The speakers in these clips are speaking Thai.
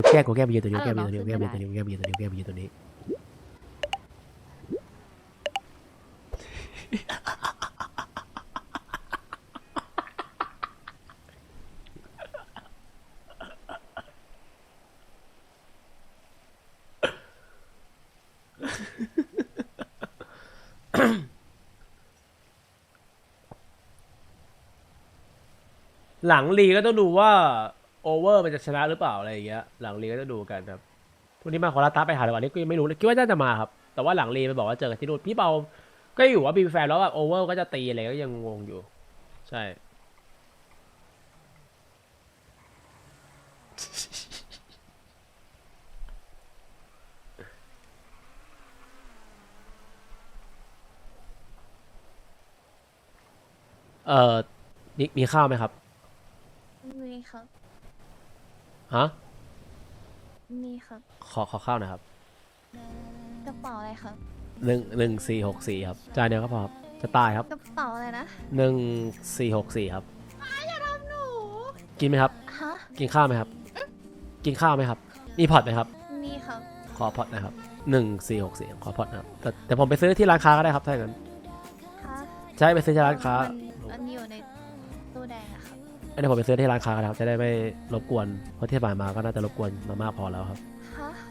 แก้กูแก้ไปยืนตัวนี้แก้ไปยืนตัวนี้แก้ไปยืนตัวนี้แก้ไปยืนตัวนี้แก้ไปยืนตัวนี้หลังลีก็ต้องดูว่าโอเวอร์มันจะชนะหรือเปล่าอะไรอย่างเงี้ยหลังลีก็ต้องดูกันครับพรุ่งนี้มาขอลาตาไปหาในวันนี้ก็ยังไม่รู้เลยคิดว่าน่าจะมาครับแต่ว่าหลังลีมันบอกว่าเจอกันที่นู่นพี่เปาก็อยู่ว่ามีแฟนแล้วแบบโอเวอร์ก็จะตีอะไรก็ยังงงอยู่ใช่เออมีข้าวไหมครับมีครับฮะมีครับขอข้าวหน่อยครับกระเป๋าอะไรครับ 1464ครับจานเดียวก็พอครับจะตายครับกระเป๋าอะไรนะ 1464ครับอย่าทำหนูกินไหมครับฮะกินข้าวไหมครับกินข้าวไหมครับมีพอร์ตไหมครับมีครับขอพอร์ตนะครับ1464ขอพอร์ตนะครับแต่ผมไปซื้อที่ร้านค้าก็ได้ครับถ้าอย่างนั้นฮะใช่ไปซื้อที่ร้านค้ามันอยู่ในตู้แดงอะครับเดี๋ยวผมไปซื้อที่ร้านค้ากันครับจะได้ไม่รบกวนเพราะที่ผ่านมาก็น่าจะรบกวนมามากพอแล้วครับฮะ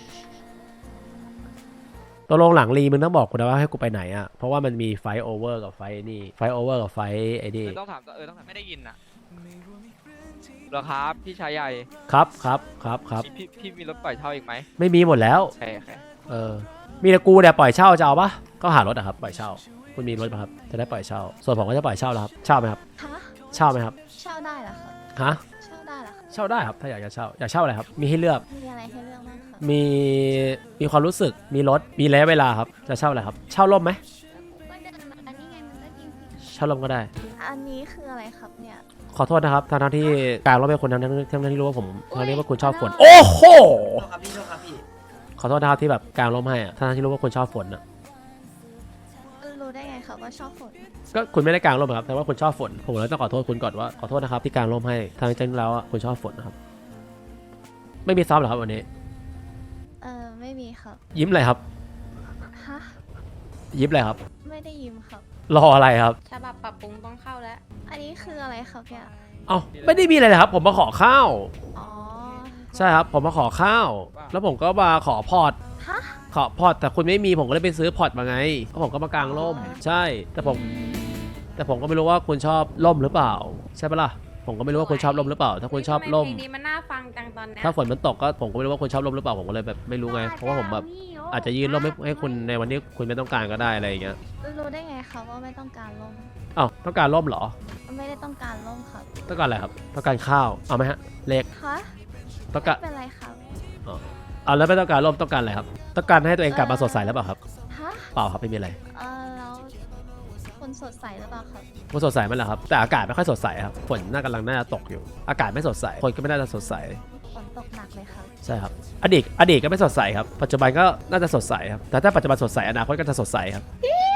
ตกลงหลังรีมึงต้องบอกกูนะว่าให้กูไปไหนอ่ะเพราะว่ามันมีไฟโอเวอร์กับไฟนี่ไฟโอเวอร์กับไฟไอ้นี่ต้องถามต้องถามไม่ได้ยินอ่ะเหรอครับพี่ชายใหญ่ครับพี่มีรถปล่อยเช่าอีกไหมไม่มีหมดแล้วใช่มีแต่กูเนี่ยปล่อยเช่าจะเอาปะก็หารถอะครับปล่อยเช่าคุณมีรถป่ะครับจะได้ปล่อยเช่าส่วนผมก็จะปล่อยเช่าแล้วครับเช่าไหมครับฮะเช่าไหมครับเช่าได้เหรอครับฮะเช่าได้เหรอครับเช่าได้ครับถ้าอยากจะเช่าอยากเช่าอะไรครับมีให้เลือกมีอะไรให้เลือกบ้างครับมีความรู้สึกมีรถมีระยะเวลาครับจะเช่าอะไรครับเช่าร่มไหมก็เดินมาอันนี้ไงมันก็ยิงสิเช่าร่มก็ได้อันนี้คืออะไรครับเนี่ยขอโทษนะครับทั้งที่กลางร่มเป็นคนทั้งที่รู้ว่าผมทั้งที่ว่าคุณชอบฝนโอ้โหขอโทษนะครับที่แบบกลางร่มให้อะทั้งที่รู้ว่าคุณชอบฝนอะรู้ได้ไงครับว่าชอบฝนก็คุณไม่ได้กลางร่มครับแต่ว่าคุณชอบฝนผมเลยต้องขอโทษคุณก่อนว่าขอโทษนะครับที่กลางร่มให้ทั้งที่จริงแล้วอะคุณชอบฝนนะครับไม่มีซ้อมหรอครับวันนี้ไม่มีครับยิ้มอะไรครับฮะยิ้มอะไรครับไม่ได้ยิ้มครับรออะไรครับฉบับปรับปรุงต้องเข้าแล้วอันนี้คืออะไรครับเนี่ยเอ้าไม่ได้มีอะไรเลยครับผมมาขอข้าวอ๋อใช่ครับผมมาขอข้าวแล้วผมก็มาขอพอร์ตฮะขอพอร์ตแต่คุณไม่มีผมก็เลยไปซื้อพอร์ตมาไงแล้วผมก็มากางร่มใช่แต่ผมก็ไม่รู้ว่าคุณชอบร่มหรือเปล่าใช่ปะล่ะผมก็ไม่รู้ว่าคุณชอบร่มหรือเปล่าถ้าคุณชอบร่มนี้มันน่าฟังจังตอนนี้ถ้าฝนมันตกก็ผมก็ไม่รู้ว่าคุณชอบร่มหรือเปล่าผมก็เลยแบบไม่รู้ไงเพราะว่าผมแบบอาจจะยื่นร่มให้คุณในวันที่คุณไม่ต้องการก็ได้อะไรอย่างเงี้ยรู้ได้ไงครับว่าไม่ต้องการร่มอ้าวต้องการร่มเหรอไม่ได้ต้องการร่มครับต้องการอะไรครับต้องการข้าวเอาไหมฮะเลขฮะต้องการเป็นไรครับเอาแล้วไม่ต้องการร่มต้องการอะไรครับต้องการให้ตัวเองกลับมาสดใสแล้วเปล่าครับฮะเปล่าครับไม่มีอะไรแล้วคุณสดใสหรือเปล่าครับคุณสดใสมั้ยล่ะครับแต่อากาศไม่ค่อยสดใสครับฝนกำลังน่าจะตกอยู่อากาศไม่สดใสคนก็ไม่น่าจะสดใสฝนตกหนักเลยครับใช่ครับอดีตก็ไม่สดใสครับปัจจุบันก็น่าจะสดใสครับแต่ถ้าปัจจุบันสดใสอนาคตก็จะสดใสครับ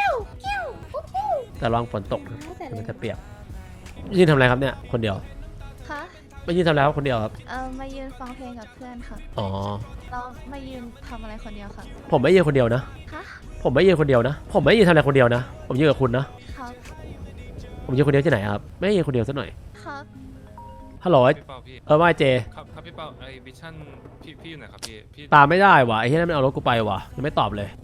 แต่ระวังฝนตกนะมันจะเปียกยืนทำอะไรครับเนี่ยคนเดียวคะไม่ยืนทำอะไรครับคนเดียวครับมายืนฟังเพลงกับเพื่อนครับอ๋อเรามายืนทำอะไรคนเดียวครับผมไม่ยืนคนเดียวนะผมไม่ยืนคนเดียวนะผมไม่ยืนทำอะไรคนเดียวนะผมยืนกับคุณนะครับผมยืนคนเดียวที่ไหนครับไม่ยืนคนเดียวซะหน่อยครับฮัลโหลว่าเจครับพี่เป้าไอวิชั่นพี่อยู่ไหนครับพี่ตามไม่ได้ว่ะไอ้ที่นั่นมันเอารถกูไปว่ะยังไม่ตอบเลย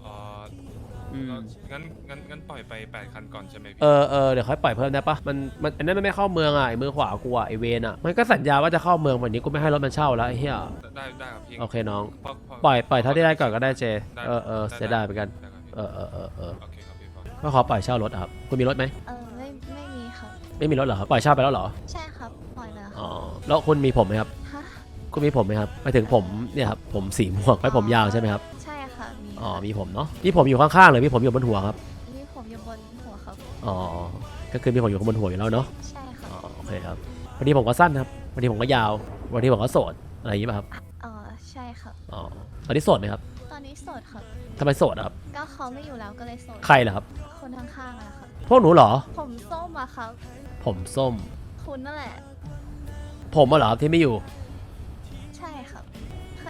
งั้นปล่อยไป8 คันก่อนใช่ไหมพี่เดี๋ยวค่อยปล่อยเพิ่มได้ปะมันอันนั้นมันไม่เข้าเมืองอ่ะไอ้มือขวากูอ่ะไอเวนอ่ะมันก็สัญญาว่าจะเข้าเมืองวันนี้กูไม่ให้รถมันเช่าแล้วไอ้เหี้ยได้ครับพี่โอเคน้องปล่อยเท่าที่ได้ก่อนก็ได้เจเสียดายเหมือนกันโอเคครับพี่ก็ขอปล่อยเช่ารถครับคุณมีรถไหมไม่มีครับไม่มีรถเหรอครับปล่อยเช่าไปแล้วเหรอใช่ครับปล่อยแล้วอ๋อแล้วคุณมีผมไหมครับคุณมีผมไหมครับไปถึงผมเนี่ยครับผมสีม่วงไว้ผมยาวใช่ไหมครับใช่ค่ะมีผมเนาะมีผมอยู่ข้างๆหรือมีผมอยู่บนหัวครับมีผมอยู่บนหัวครับก็คือมีผมอยู่บนหัวอยู่แล้วเนาะใช่ค่ะโอเคครับวันนี้ผมก็สั้นครับวันนี้ผมก็ยาววันนี้ผมก็โสดอะไรอย่างนี้ป่ะครับใช่ครับตอนนี้โสดไหมครับตอนนี้โสดครับทำไมโสดครับก็เขาไม่อยู่แล้วก็เลยโสดใครเหรอครับคนข้างๆนะครับพวกหนูเหรอผมส้มอะครับผมส้มคุณนั่นแหละผมเหรอครับที่ไม่อยู่ใช่ครับ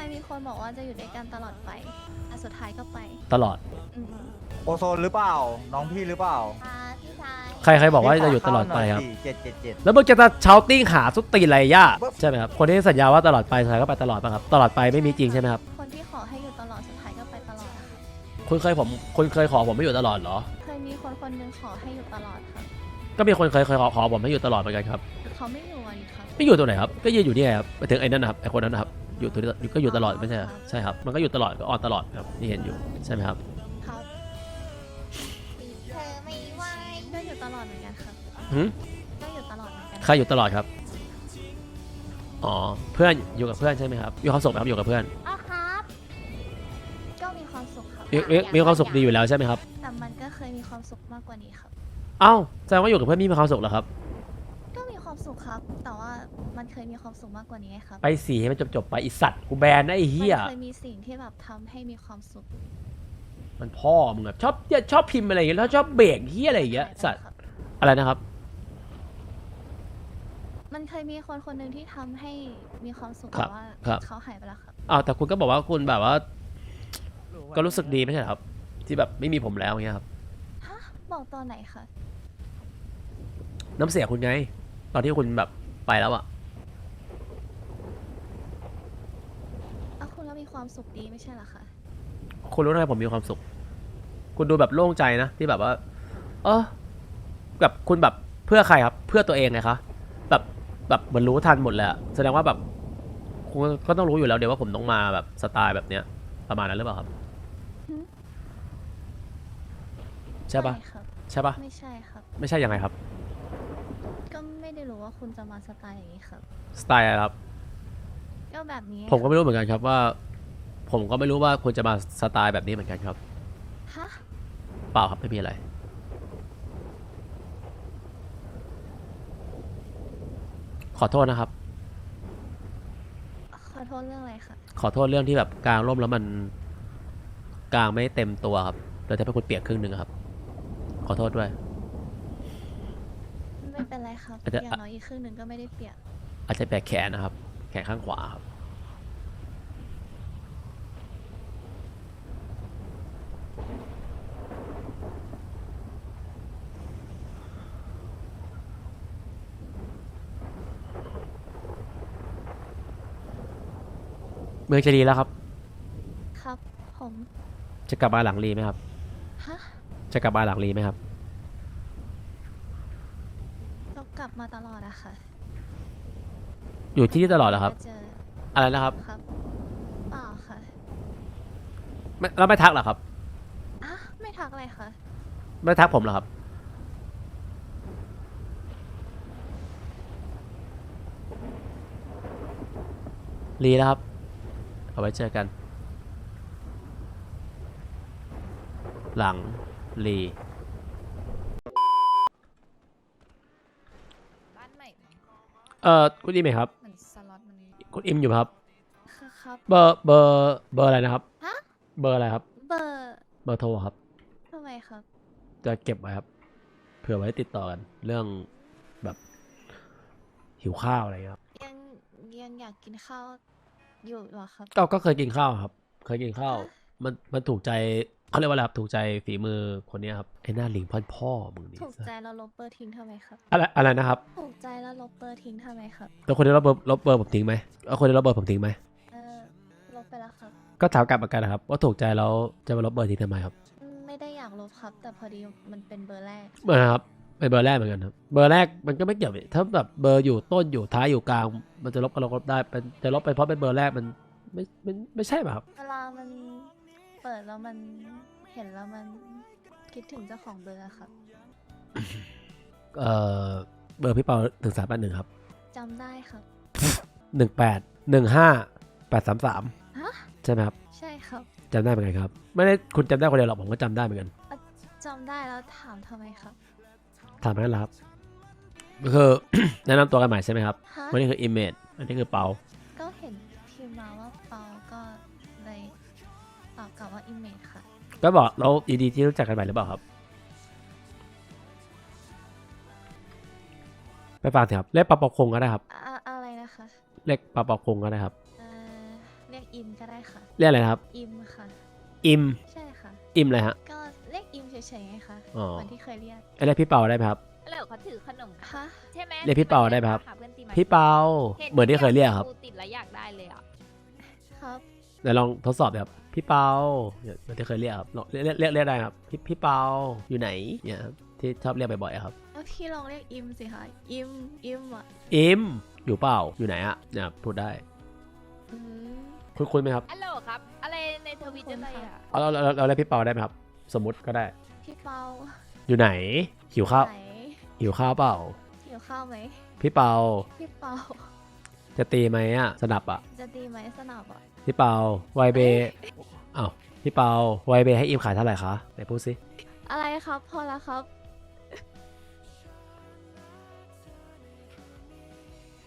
มีคนบอกว่าจะอยู่ด้วยกันตลอดไปแต่สุดท้ายก็ไปตลอดอืมโอโซนหรือเปล่า น้องพี่หรือเปล่าพี่ชายใครบอกว่าจะอยู่ตลอดไปครับ 777 แล้วมึงจะเชาติ้งหาสุดตีนอะไรย่าใช่ไหมครับคนที่สัญญาว่าตลอดไปสุดท้ายก็ไปตลอดป่ะครับตลอดไปไม่มีจริงใช่ไหมครับคนที่ขอให้อยู่ตลอดสุดท้ายก็ไปตลอดอะค่ะคุณเคยขอผมไม่อยู่ตลอดเหรอเคยมีคนนึงขอให้อยู่ตลอดครับก็มีคนเคยขอผมให้อยู่ตลอดเหมือนกันครับเขาไม่อยู่อะดิครับไม่อยู่ตรงไหนครับก็ยืนอยู่นี่ไงครับไปถึงไอ้นั่นนะครับไอ้คนนั้นนะครับอยู่ตัวนี้ก็อยู่ตลอดไม่ใช่เหรอใช่ครับมันก็อยู่ตลอดก็ออนตลอดครับที่เห็นอยู่ใช่ไหมครับครับเธอไม่ไหวก็อยู่ตลอดเหมือนกันครับหืมก็อยู่ตลอดเหมือนกันใครอยู่ตลอดครับอ๋อเพื่อนอยู่กับเพื่อนใช่ไหมครับมีความสุขไหมครับอยู่กับเพื่อนอ๋อครับ ก็มีความสุขครับมีความสุขดีอยู่แล้วใช่ไหมครับแต่มันก็เคยมีความสุขมากกว่านี้ครับเอ้าแสดงว่าอยู่กับเพื่อนมีความสุขเหรอครับก็มีความสุขครับ แต่ว่ามันเคยมีความสุขมากกว่านี้ไงครับไปสีให้มันจบไปไอสัตว์กูแบนนะไอ้เหี้ยมันเคยมีสิ่งที่แบบทำให้มีความสุขมันพ่อมึงแบบชอบพิมพ์อะไรอย่างเงี้ยแล้วชอบเบรกเหี้ยอะไรอย่างเงี้ยสัตว์ครับอะไรนะครับมันเคยมีคนหนึ่งที่ทำให้มีความสุขครัแต่บว่าครับเขาหายไปแล้วครับอ้าวแต่คุณก็บอกว่าคุณแบบว่า ก็รู้สึกดีไม่ใช่เหรอครับ ที่แบบไม่มีผมแล้วอย่างเงี้ยครับฮะ บอกตอนไหนคะน้ำเสียคุณไง ตอนที่คุณแบบไปแล้วอะอ้าวคุณก็มีความสุขดีไม่ใช่เหรอคะคุณรู้ไหมผมมีความสุข คุณดูแบบโล่งใจนะที่แบบว่า เออแบบคุณแบบเพื่อใครครับ เพื่อตัวเองไงคะแบบเหมือนรู้ทันหมดแล้วแสดงว่าแบบคุณก็ต้องรู้อยู่แล้วเดี๋ยวว่าผมต้องมาแบบสไตล์แบบเนี้ยประมาณนั้นหรือเปล่าครับหืมใช่ปะไม่ครับใช่ปะไม่ใช่ครับไม่ใช่ยังไงครับก็ไม่ได้รู้ว่าคุณจะมาสไตล์อย่างนี้ครับสไตล์อะไรครับก็แบบนี้ผมก็ไม่รู้เหมือนกันครับว่า ผมก็ไม่รู้ว่าคุณจะมาสไตล์แบบนี้เหมือนกันครับฮะเปล่าครับไม่มีอะไร ขอโทษนะครับขอโทษเรื่องอะไรคะขอโทษเรื่องที่แบบกลางร่มแล้วมันกลางไม่เต็มตัวครับเลยทำให้คุณเปียกครึ่งหนึ่งครับ ขอโทษด้วยไม่เป็นไรครับอาจจะอย่างน้อยอีกครึ่งหนึ่งก็ไม่ได้เปียกอาจจะแบกแขนนะครับ แขนข้างขวาครับ เมืองจะดีแล้วครับครับ ผมจะกลับมาหลังรีไหมครับฮะจะกลับมาหลังรีไหมครับเรากลับมาตลอดอะค่ะอยู่ที่นี่ตลอดเหรอครับจะเจออะไรนะครับครับ เปล่าค่ะแล้วไม่ทักเหรอครับอ่ะ ไม่ทักอะไรคะไม่ทักผมเหรอครับ รีแล้วครับ เอาไว้เจอกัน หลังรีบ้านใหม่มั้งคุณอิมไหมครับเหมือนสล็อตมันคุณอิมอยู่ไหมครับค่ะครับเบอร์อะไรนะครับฮะเบอร์อะไรครับเบอร์เบอร์โทรครับทำไมครับจะเก็บไว้ครับ เผื่อไว้ติดต่อกัน เรื่องแบบหิวข้าวอะไรอย่างเงี้ยครับยังอยากกินข้าวอยู่เหรอครับก็เคยกินข้าวครับ เคยกินข้าว มันถูกใจเขาเรียกว่าอะไรครับ ถูกใจฝีมือคนเนี้ยครับ ไอ้หน้าหลิงพ่อมึงนี่ถูกใจแล้วลบเบอร์ทิ้งทำไมครับอะไรนะครับถูกใจแล้วลบเบอร์ทิ้งทำไมครับแล้วคนที่ลบเบอร์ผมทิ้งไหมเอาคนที่ลบเบอร์ผมทิ้งไหมเออลบไปแล้วครับก็ถามกลับเหมือนกันนะครับ ว่าถูกใจแล้วจะมาลบเบอร์ทิ้งทำไมครับไม่ได้อยากลบครับ แต่พอดีมันเป็นเบอร์แรกเหมือนกันครับเป็นเบอร์แรกเหมือนกันครับ เบอร์แรกมันก็ไม่เกี่ยวถ้าแบบเบอร์อยู่ต้นอยู่ท้ายอยู่กลาง มันจะลบก็ลบได้เป็นจะลบไปเพราะเป็นเบอร์แรกมันไม่ใช่ป่ะครับเวลามันเปิดแล้วมันเห็นแล้วมันคิดถึงเจ้าของเบอร์อะครับเบอร์พี่เปา1381ครับจำได้ครับ 1815833 ฮะใช่ไหมครับใช่ครับจำได้เหมือนกันครับไม่ได้คุณจำได้คนเดียวหรอกผมก็จำได้เหมือนกันจำได้แล้วถามทำไมครับถามกันแล้วครับก็คือ แนะนำตัวกันใหม่ใช่ไหมครับฮะวันนี้คือ Image อันนี้คือเปาก็เห็นพิมพ์มาว่าเปาก็เลยตอบกลับว่าอิมเมจค่ะก็บอกเรายินดีที่รู้จักกันใหม่หรือเปล่าครับไปฟังสิครับเรียกปาปอคงก็ได้ครับอะไรนะคะเรียกปาปอคงก็ได้ครับเรียกอิมก็ได้ค่ะเรียกอะไรนะครับอิมค่ะอิมใช่ค่ะอิมอะไรฮะก็เรียกอิมเฉยๆไงคะอ๋อเหมือนที่เคยเรียกเรียกพี่เปาได้ไหมครับแล้วเขาถือขนมฮะใช่ไหมเรียกพี่เปาได้ไหมครับหาเพื่อนตีมาพี่เปาเหมือนที่เคยเรียกครับติดแล้วอยากได้เลยอ่ะครับเดี๋ยวลองทดสอบดูครับพี่เปาเนี่ยเหมือนที่เคยเรียกครับลองเรียกได้ครับพี่เปาอยู่ไหนเนี่ยครับที่ชอบเรียกบ่อยๆครับแล้วพี่ลองเรียกอิมสิคะ อิมอ่ะอิมอยู่เปล่าอยู่ไหนอะเนี่ยพูดได้อืมคุยไหมครับฮัลโหลครับ อะไรในทวิตอะไรอ่ะเราเรียกพี่เปาได้ไหมครับ สมมุติก็ได้พี่เปาอยู่ไหนหิวข้าวไหนหิวข้าวเปล่าหิวข้าวไหมพี่เปาพี่เปาจะตีไหมอะสนับอะจะดีไหมสนับอ่ะพี่เปาไวเบอ้าวพี่เปาไวเบให้อิมขายเท่าไหร่คะไหนพูดสิอะไรครับ พอแล้วครับ